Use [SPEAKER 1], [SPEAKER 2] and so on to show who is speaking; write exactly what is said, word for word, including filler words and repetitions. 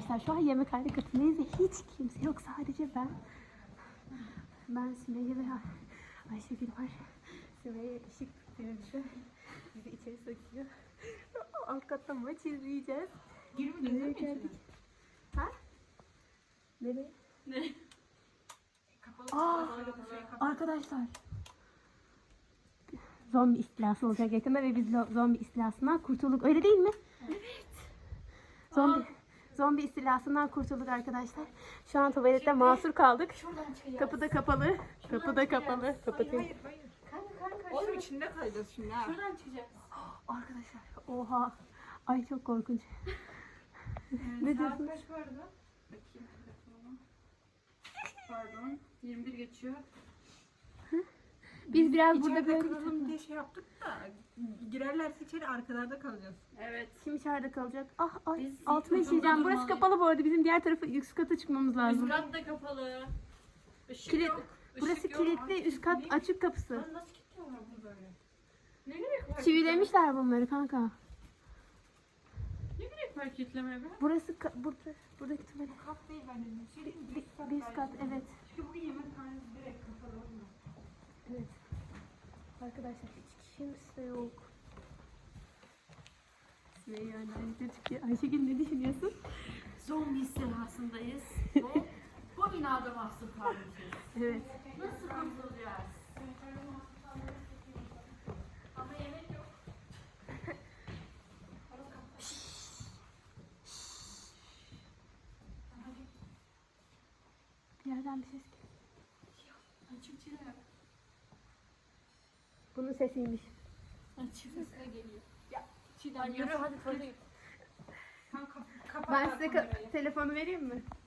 [SPEAKER 1] arkadaşlar. Şu an yemekhane katındayız ve hiç kimse yok. Sadece ben. Ben, Sümeyye ve Ayşegül var. Sümeyye ışık tutuyor bize. Bizi içeri sokuyor. Alt katta maç izleyeceğiz.
[SPEAKER 2] Girmediniz mi içine?
[SPEAKER 1] Ha? Nereye?
[SPEAKER 2] Ne? Kapalı.
[SPEAKER 1] Aa, arkadaşlar. Zombi istilası olacak yakında ve biz lo- zombi istilasından kurtulduk. Öyle değil mi?
[SPEAKER 2] Evet.
[SPEAKER 1] Zombi
[SPEAKER 2] Aa.
[SPEAKER 1] zombi istilasından kurtulduk arkadaşlar. Şu an tuvalette mahsur kaldık.
[SPEAKER 2] Şuradan çıkacağız.
[SPEAKER 1] Kapı da kapalı. Kapı da kapalı. Kapatayım.
[SPEAKER 2] Hayır hayır.
[SPEAKER 3] Kanka kanka.
[SPEAKER 2] Oğlum
[SPEAKER 3] Oğlum
[SPEAKER 2] içinde kalacağız şimdi ha.
[SPEAKER 3] şuradan çıkacağız.
[SPEAKER 1] Arkadaşlar oha. Ay çok korkunç. Ne
[SPEAKER 2] Saat
[SPEAKER 1] diyorsun?
[SPEAKER 2] kaç bu arada? Bakayım telefonuma. Pardon. yirmi bir geçiyor.
[SPEAKER 1] Biz biraz burada
[SPEAKER 2] İçeride
[SPEAKER 1] böyle
[SPEAKER 2] kalalım diye şey yaptık da girerlerse içeri arkalarda kalacağız.
[SPEAKER 3] Evet.
[SPEAKER 1] kim içeride kalacak? Ah ay
[SPEAKER 3] Biz
[SPEAKER 1] altıma
[SPEAKER 3] ilk
[SPEAKER 1] işeyeceğim.
[SPEAKER 3] ucunda
[SPEAKER 1] Burası
[SPEAKER 3] durmalıyız.
[SPEAKER 1] kapalı bu arada. Bizim diğer tarafı üst kata çıkmamız lazım.
[SPEAKER 3] Üst kat da kapalı. Işık
[SPEAKER 1] Kilit.
[SPEAKER 3] yok. Işık
[SPEAKER 1] Burası
[SPEAKER 3] yok.
[SPEAKER 1] kilitli. Üst kat açık kapısı.
[SPEAKER 3] Lan nasıl kilitliyorlar bunu böyle? Ne gerek var?
[SPEAKER 1] Çivilemişler bunları kanka.
[SPEAKER 3] Ne gerek var kilitlemeye be?
[SPEAKER 1] Burası ka- burada buradaki tuvalet.
[SPEAKER 2] Kat değil ben dedim. Şey değil mi?
[SPEAKER 1] Bir, bir üst kat evet.
[SPEAKER 2] Çünkü bugün yemekhanesi direkt kapalı olmuyor.
[SPEAKER 1] Evet. Arkadaşlar hiç kimse yok. Sümeyye annemizde çıkıyor. Ayşegül ne düşünüyorsun?
[SPEAKER 3] Zombi istilasındayız. Ve bu binada mahsur kalmışız.
[SPEAKER 1] Evet.
[SPEAKER 3] Nasıl kurtulacağız? Ama yemek yok.
[SPEAKER 1] Bir yerden bir ses geliyor.
[SPEAKER 3] Açık çırak.
[SPEAKER 1] Bunun sesiymiş.
[SPEAKER 3] Açık sesle geliyor.
[SPEAKER 2] Ya
[SPEAKER 3] Çiğdem yürü hadi tuvalete git.
[SPEAKER 2] Kanka kapat
[SPEAKER 1] Ben
[SPEAKER 2] bak
[SPEAKER 1] size
[SPEAKER 2] kamerayı.
[SPEAKER 1] ka- telefonu vereyim mi?